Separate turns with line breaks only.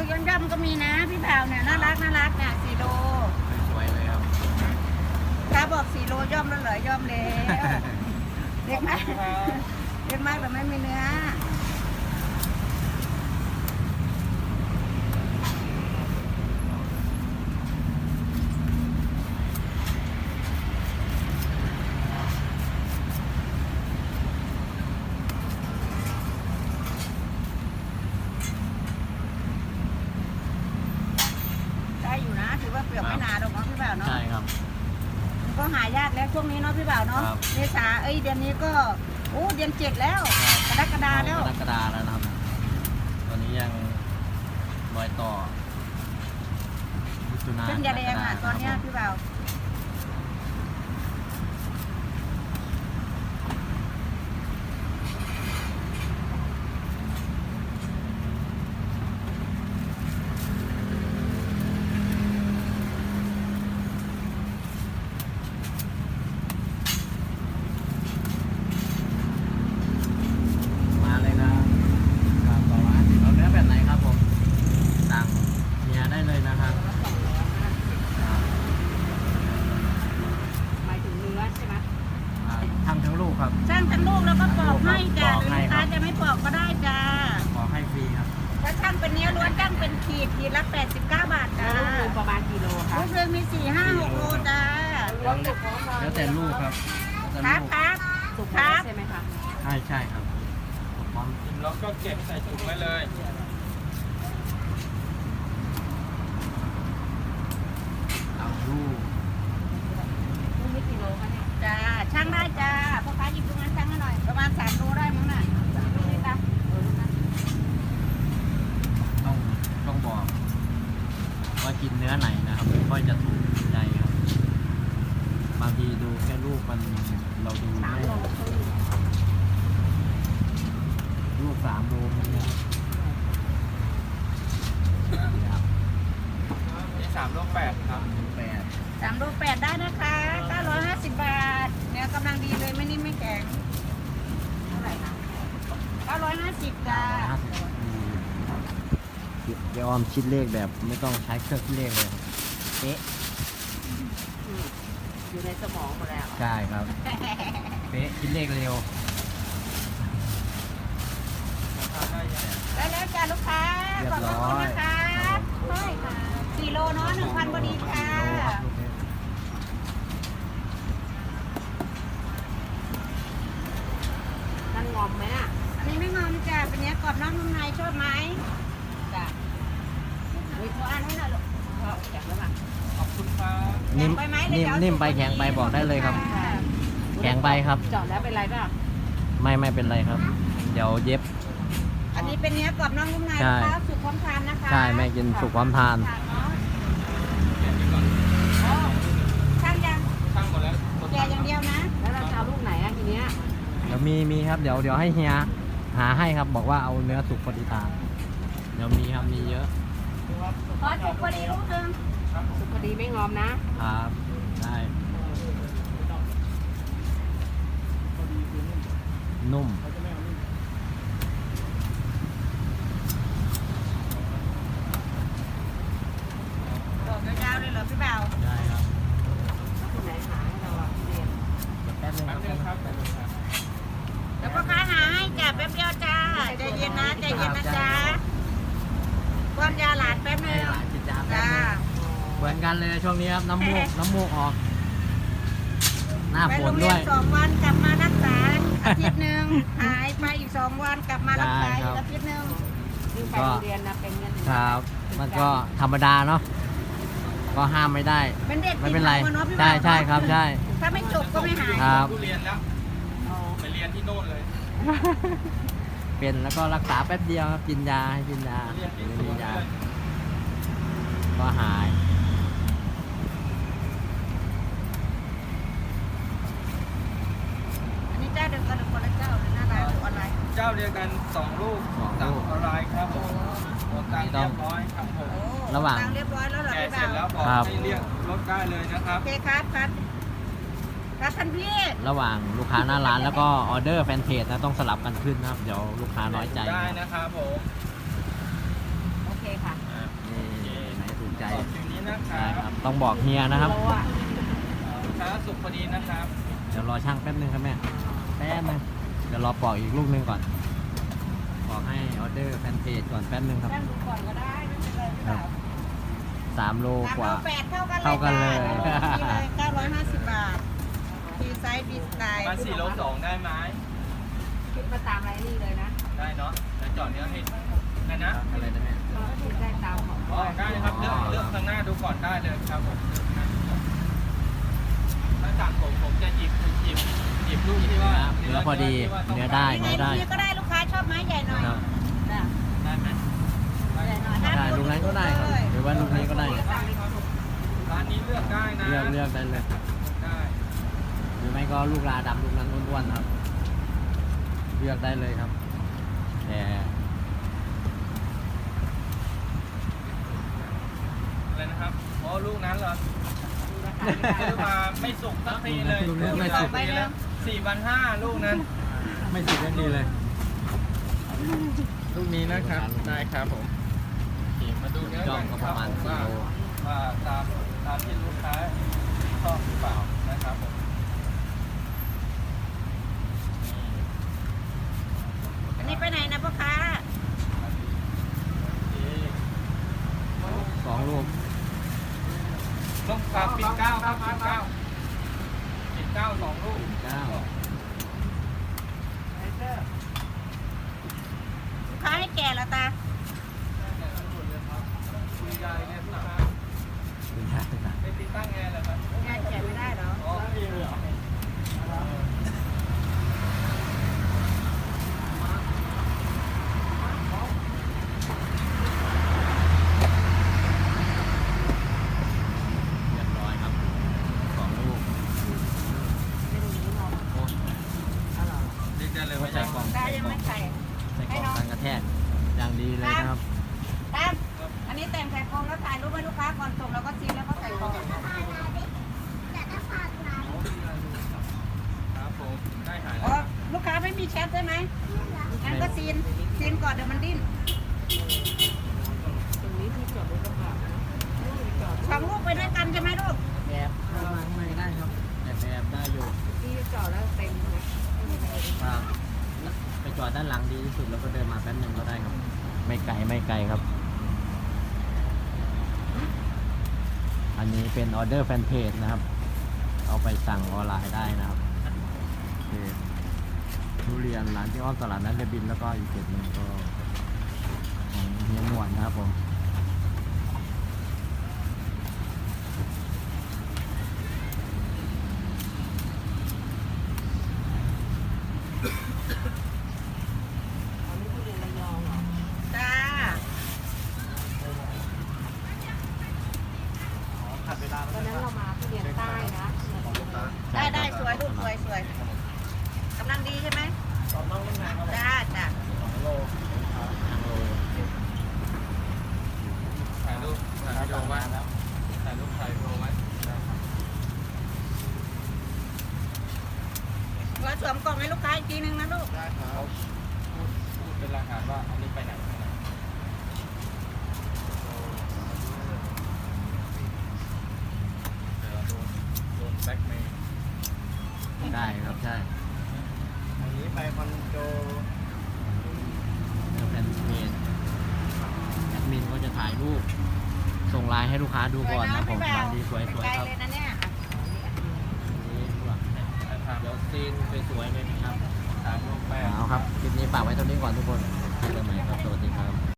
ย่อมๆก็มีนะพี่บ่าวเนี่ยน่ารักเนี่ย4 โล
สวยเลยครับ
ถ้าบอก4 โลย่อมแล้วเหรอย่อมแล้วเด็กมากเด็กมากแต่ไม่มีเนื้ออยู่นะถือว่าเปลือกไม่หนาหรอกเนาะพี่บ่าวเนาะ
ใช่ครับ
ก็หายากแล้วช่วงนี้เนาะพี่บ่าวเนาะเมษาเดือนนี้ก็เดือน7แล้วกรกฎาแล้ว
กรกฎาแล้วนะครับตอนนี้ยังรอยต่อ
เส้นยาแดงตอนนี้พี่บ่าว
ทำทั้งลูกครับ
ช่างทั้งลูกแล้วก็ปอกให้จ้าหรือลูกค้าจะไม่ปอกก็ได้จ้า
ปอกให้ฟรีครับ
ถ้าช่างเป็นเนื้อล้วนช่างเป็นขีดละ89 บาทจ้า
ลูกประมาณกี่โลคะ
ลูกเรือมี4, 5, 6 โลจ้า
แล้วแต่ลูกครับ
ครับ
สุกครับใช่ไหมคะ
ใช่ครับพร้อม
แล้วก็เก็บใส่ถุงไว้เลย
เอาลูก
ไม่กี่โลคะเนี่ยจ้าช่างได้จ้าพ่อค้าหยิบตรงนั้นช่างให้หน่อยประมาณ3 โลได้มั้งน่ะดูนี่จ้า
ต้องบอกว่ากินเนื้อไหนนะครับไม่ค่อยจะถูกใจครับบางทีดูแค่ลูกมันเราดูลูก3 โลนี่
3 โล 8ครับ
3 โล 8ได้นะคะ950 บาทเนื้อกำลังดีเลยไม่นิ่มไม่แข็งเท่าไหร่คะ950จ้า
เดี๋ยวออมคิดเลขแบบไม่ต้องใช้เครื่องคิดเลขเลยเป๊ะ
อยู่ในสมองหมดแล้ว
ใช่ครับเป๊ะคิดเลขเร็ว
ได้แล้วจ้าลูกค้าขอบคุณนะคะใช่ค่ะ4 โลเนาะ 1,000พอดีค่ะ
นั่นงอมไหมน่ะ
อันนี้ไม่งอมจ้าเป็นเนี้ยกรอบนอกนุ่มในชอบไหมจ้าวิโทรอ่านให้หน่อยลูก
แข็งแล้วป่ะ
ขอบคุณครับ
นิ่มไปแข็งไปบอกได้เลยครับแข็งไปครับ
เจาะแล้วเป็นไรป่ะ
ไม่เป็นไรครับเดี๋ยวเย็บ
อันนี้เป็นเนื้อกรอบนอกนุ่มในนะคะสุกพร้อมทานนะคะ
ใช่แม่กินสุกพร้อมทาน
ช่างยัง
ช่างหมดแล้ว
แกอย่างเดียวนะ
แล้วเราจะเอาลูกไหนอ่ะทีเนี้ย
เดี๋ยวมีครับเดี๋ยวให้เฮียหาให้ครับบอกว่าเอาเนื้อสุกพอดีตาเดี๋ยวมีครับมีเยอะ
ขอสุกพอดีลูกนึง
สุกพอดีไม่งอม
นะครับได้นุ่ม
ดอกยาวๆเลยเหรอพี่บ่าว
ได้ครับ
ที่ไหนหาให้เราเรียน
แป๊บนึงครับ
เดี๋ยวพ่อค้าหาให้จ้าแป๊บเดียวจ้าใจเย็นนะจ้าป้อนยาหลานแป๊บนึงจ้า
เหมือนกันเลยช่วงนี้ครับน้ำมูกออกหน้าฝนด้วย
2 วันกลับมารักษาอาทิตย์นึงหายไปอีก2 วันกลับมารักษาอีกอาทิตย์นึง
ไปโรงเรียนนะเป็นเงิน
ครับมันก็ธรรมดาเนาะก็ห้ามไม่ได้ไม่เป็นไรใช่ครับใช่
ถ้าไม่จบก็ไม่หาย
ครับ
เรียนแล้วไปเรียนที่โน่นเลย
เป็นแล้วก็รักษาแป๊บเดียวครับกินยาให้กินยาก็หาย
อันนี้เจ้าเดียวกันหรือคนละเจ้าหรือหน้าร้านหรือออนไลน์
เจ้าเดียวกัน2 ลูกสั่งออนไลน์ครับผมโอนตังเรียบร้อยครับผม
ระหว่าง
เรียบร้อยแล้วเหรอพี่บ่าว
เสร็จแล้วบอกให้เรียกรถได้เลยนะครับ
โอเคครับท่านพี่
ระหว่างลูกค้าหน้าร้านแล้วก็ออเดอร์แฟนเพจนะต้องสลับกันขึ้นนะครับเดี๋ยวลูกค้าน้อยใจ
ได้นะครับผม
โอเคค่ะ
ใจ
ต่อคิวนี้นะค
ใช่
รับ
ครับต้องบอกเฮียนะครับ
โลอ่ะ
ลูกค้าสุขพอดีนะครับ
เดี๋ยวรอช่างแป๊บนึงครับแม่แป๊บนึงเดี๋ยวรอปอกอีกลูกนึงก่อนปอกให้ออเดอร์แฟนเพจก่อนแป๊บนึงครับ
แป้งดูก่อนก็ได้ไม่เป็นไรพี่
ครั
บ่า
บ 3 โล
ว
กว่า
3 โล 8
เท่ากันเลย
จ้านี่เลย950 บาทดีไซน์ดีสไตล์
มา4 โล 2ได้ไหม
คิดมาตามไรนี่เลยนะ
ได้เนาะแล้วจอดเนื้อให้ได้นะ
อะไรนะแม่
ก็คิดได้ตามของ
อ๋อได้ครับเลือกข้างหน้าดูก่อนได้เลยครับผมเลือกข้างหน้าดูก่อนถ้าสั่งผมจะหยิบลูกที่ว่า
เนื้อพอดีเนื้อได้
ยังไง
เนื้อได้
ลูกนี้ก็ได้ลูกค้าชอบไม้ใหญ่หน่อย
ครับ
จ้ะ
ได้ไหม
ใหญ่หน่อย
ได้ลูกนั้นก็ได้ครับหรือว่าลูกนี้ก็ได้
ร้านนี้เลือกได้นะ
เลือกได้เลย
ได้
หรือไม่ก็ลูกลาดำลูกนั้นอ้วนๆครับ เลือกได้เลยครับแต่
อะไรนะครับอ๋อลูกนั้นเหรอซื้อมาไม่สุกสักทีเลย
ลูกนี้ไม่สุก
ไปแล้ว4,500ลูกนั้น
ไม่สุดได้ดีเลย
ลูกนี้นะครับได้ครับผมมาดูเนื้อ
จ้องก็ประมาณ
ว่า
4 โล
ว่าตามที่ลูกค้าชอบหรือเปล่านะครับผม
อันนี้ไปไหนนะพ่อค้า
2 ลูก
ลูกครับปิดเก้าครับปิดเก้า2 ลูก
9
ลูกค้าให้แก่แล้วตา
คุณยายเนี่ยลูกค้า
คุณยายนะ
ไปติดตั้งแอร์เหรอครับ
งานแก่ไม่ได้เหรอ
อ๋อมีเลยเหรอ
เรียบร้อยครับ 2 ลูก
ไม่ดูนี้มอง
โอ้
อ๋อเหรอ
เรียกได้เลยว่า
ใส่กล่อง
ตายังไม่ใส่
ใส่กล่องกันกระแทกอย่างดีเลยนะครับ
ตามอันนี้แต่งใส่กล่องแล้วถ่ายรูปให้ลูกค้าก่อนส่งแล้วก็ซีนแล้วก็ใส่กล่อง
ครับผมได้หาย
อ๋
แล้
อ
ว
ลูกค้าไม่มีแชทใช่ไหมงั้นก็ซีนก่อนเดี๋ยวมันดิ้น
ตรงนี้ที่จอดรถกระบะนะจอด
สองลูกไปด้วยกันใช่ไหมลูก
แอบเข้ามาข้างในได้ครับแอบได้อยู่
ที่จอดแล้วเต็มเลย
ครับไปจอดด้านหลังดีที่สุดแล้วก็เดินมาแป๊บนึงก็ได้ครับ ไม่ไกลครับ อันนี้เป็นออเดอร์แฟนเพจนะครับ เอาไปสั่งออนไลน์ได้นะครับเพจทุเรียนร้านที่อ้อมตลาดนัดเรบินแล้วก็อีกเพจหนึ่งก็ของเฮียหนวดนะครับผม
อันนี้ทุเรียนระยองเหรอ
จ้า
ตอนนั้นเรามาทุเรียนใต้นะ
ได้สวยลูกสวยกำลังดีใช่ไหมจ้า
ถ่ายรูปถ่ายวิดีโอไว้ถ่ายรูปถ่ายวิดีโอไว้
เราสวมกล่องให้ลูกค้าอีกทีนึงนะลูก
ได้ครับพูดเป็นรายงานว่าอันนี้ไปไหนเดี๋ยวโดนแบ็คเมย์
ได้ครับใช่
อันนี้ไปคอนโด
แล้วแฟนเพจแอดมินก็จะถ่ายรูป ส่งไลน์ให้ลูกค้าดูก่อนนะผมร้านดีสวยๆ
ไกล
ครับ
เลยนะเนี่ย
นี่ด้วยเดี๋ยวซีนสวยๆเลยนะครับ
3 ลูกแป้ง
เอาครับ คลิปนี้ฝากไว้เท่านี้ก่อนทุกคน
จ